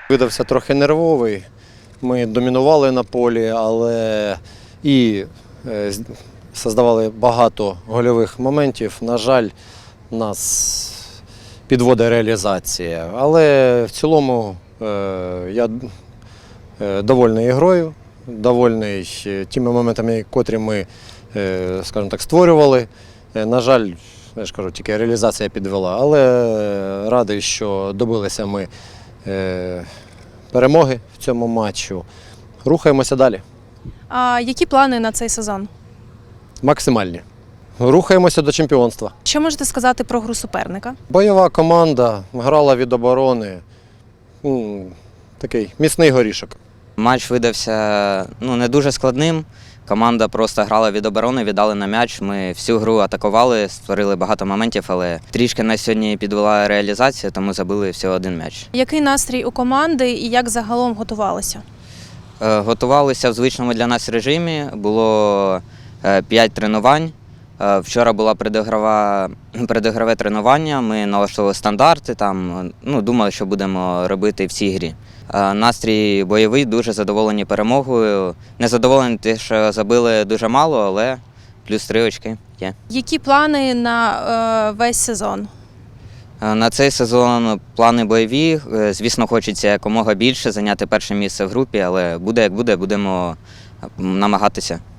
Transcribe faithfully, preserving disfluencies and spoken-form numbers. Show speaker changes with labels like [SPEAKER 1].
[SPEAKER 1] Видався трохи нервовий. Ми домінували на полі, але і е, з- создавали багато гольових моментів. На жаль, нас підводить реалізація. Але в цілому е, я е, довольний ігрою, довольний е, тими моментами, котрі ми, е, скажімо так, створювали. Е, На жаль, я ж кажу, тільки реалізація підвела, але е, радий, що добилися ми е, перемоги в цьому матчу. Рухаємося далі.
[SPEAKER 2] А які плани на цей сезон?
[SPEAKER 1] Максимальні. Рухаємося до чемпіонства.
[SPEAKER 2] Що можете сказати про гру суперника?
[SPEAKER 1] Бойова команда, грала від оборони. М, Такий міцний горішок.
[SPEAKER 3] Матч видався ну, не дуже складним. Команда просто грала від оборони, віддали на м'яч. Ми всю гру атакували, створили багато моментів, але трішки нас сьогодні підвела реалізація, тому забили всього один м'яч.
[SPEAKER 2] Який настрій у команди і як загалом готувалися?
[SPEAKER 3] Е, Готувалися в звичному для нас режимі, було е, п'ять тренувань. Е, Вчора було предігрова, предігрове тренування, ми налаштували стандарти, там, ну, думали, що будемо робити в цій грі. Е, Настрій бойовий, дуже задоволені перемогою. Не задоволені те, що забили дуже мало, але плюс три очки є.
[SPEAKER 2] Які плани на е, весь сезон?
[SPEAKER 3] Е, На цей сезон плани бойові. Е, Звісно, хочеться якомога більше зайняти перше місце в групі, але буде як буде, будемо намагатися.